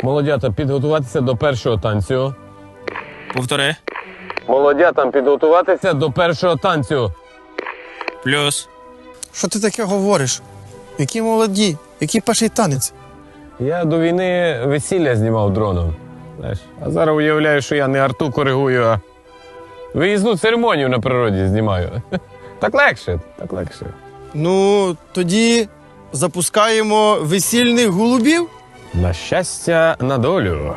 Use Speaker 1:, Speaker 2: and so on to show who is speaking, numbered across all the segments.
Speaker 1: Молодята, підготуватися до першого танцю.
Speaker 2: Повтори.
Speaker 1: Молодятам підготуватися до першого танцю.
Speaker 2: Плюс.
Speaker 3: Що ти таке говориш? Які молоді, який перший танець?
Speaker 1: Я до війни весілля знімав дроном. Знаєш, а зараз уявляю, що я не арту коригую, а виїзну церемонію на природі знімаю. Так легше, так легше.
Speaker 3: Ну, тоді запускаємо весільних голубів.
Speaker 1: На щастя, на долю.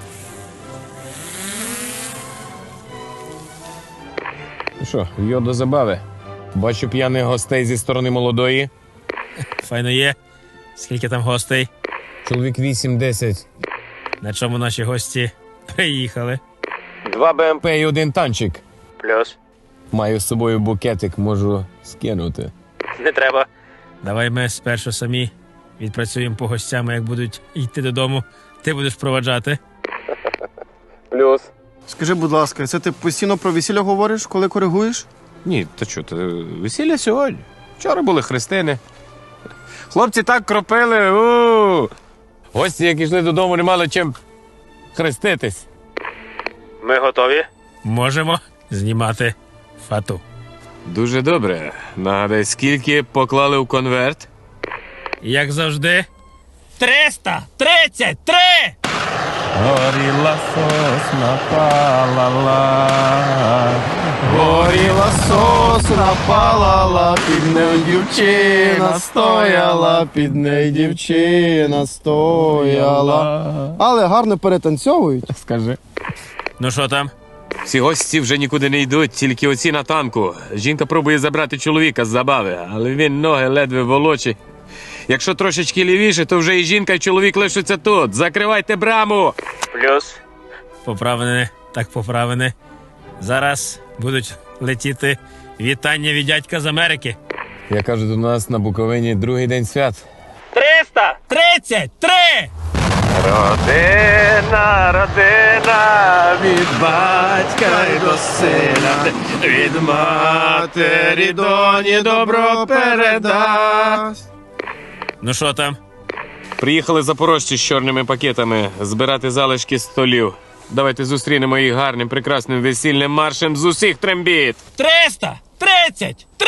Speaker 1: Ну що, йо до забави. Бачу п'яних гостей зі сторони молодої.
Speaker 2: Файно є. Скільки там гостей?
Speaker 1: Чоловік 8-10.
Speaker 2: На чому наші гості приїхали?
Speaker 1: 2 БМП і 1 танчик.
Speaker 2: Плюс.
Speaker 1: Маю з собою букетик, можу скинути.
Speaker 2: Не треба. Давай ми спершу самі відпрацюємо по гостям, а як будуть йти додому, ти будеш проваджати.
Speaker 1: Плюс.
Speaker 3: Скажи, будь ласка, це ти постійно про весілля говориш, коли коригуєш?
Speaker 1: Ні, та що, весілля сьогодні. Вчора були хрестини. Хлопці так кропили. Гості, як йшли додому, не мали чим хреститись.
Speaker 2: Ми готові? Можемо знімати фату.
Speaker 1: Дуже добре. Нагадай, скільки поклали в конверт?
Speaker 2: Як завжди. 333!
Speaker 1: Горіла сосна палала,
Speaker 3: Горіла сосна, палала, під нею дівчина стояла, під нею дівчина стояла. Але гарно перетанцьовують.
Speaker 1: Скажи.
Speaker 2: Ну що там?
Speaker 1: Всі гості вже нікуди не йдуть, тільки оці на танку. Жінка пробує забрати чоловіка з забави, але він ноги ледве волочить. Якщо трошечки лівіше, то вже і жінка, і чоловік лишаться тут. Закривайте браму!
Speaker 2: Плюс. Поправлене, так поправлене. Зараз будуть летіти вітання від дядька з Америки.
Speaker 1: Я кажу, до нас на Буковині другий день свят.
Speaker 2: 333!
Speaker 1: Родина, родина, від батька й до сина, від матері доні добро передасть.
Speaker 2: Ну що там?
Speaker 1: Приїхали запорожці з чорними пакетами збирати залишки столів. Давайте зустрінемо їх гарним, прекрасним весільним маршем з усіх трембіт.
Speaker 2: 333!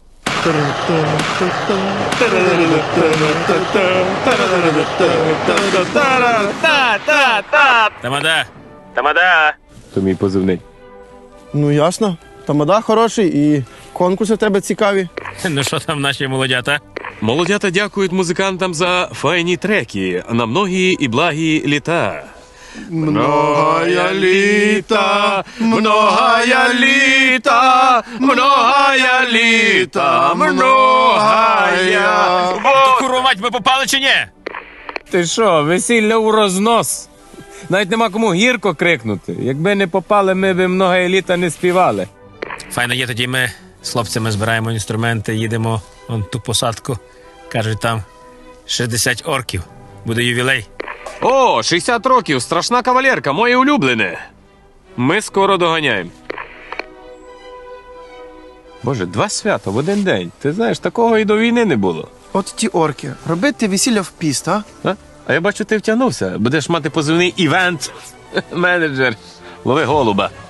Speaker 2: Тамада! Тамада!
Speaker 1: То мій позивний.
Speaker 3: Ну ясно. Тамада хороший і конкурси в тебе цікаві.
Speaker 2: Ну що там наші молодята?
Speaker 1: Молодята дякують музикантам за файні треки на многі і благі літа.
Speaker 3: Многая літа, многая літа, многая літа, многая.
Speaker 2: Курва мать, ми попали чи ні?
Speaker 1: Ти що, весілля у рознос? Навіть нема кому гірко крикнути. Якби не попали, ми б много літа не співали.
Speaker 2: Файно є, тоді ми з хлопцями збираємо інструменти, їдемо вон ту посадку. Кажуть, там 60 орків. Буде ювілей.
Speaker 1: О, 60 років, страшна кавалерка, моє улюблене. Ми скоро доганяємо. Боже, 2 свята в один день. Ти знаєш, такого і до війни не було.
Speaker 3: От ті орки, робити весілля в піст, а?
Speaker 1: А я бачу, ти втягнувся. Будеш мати позивний івент-менеджер. Лови голуба.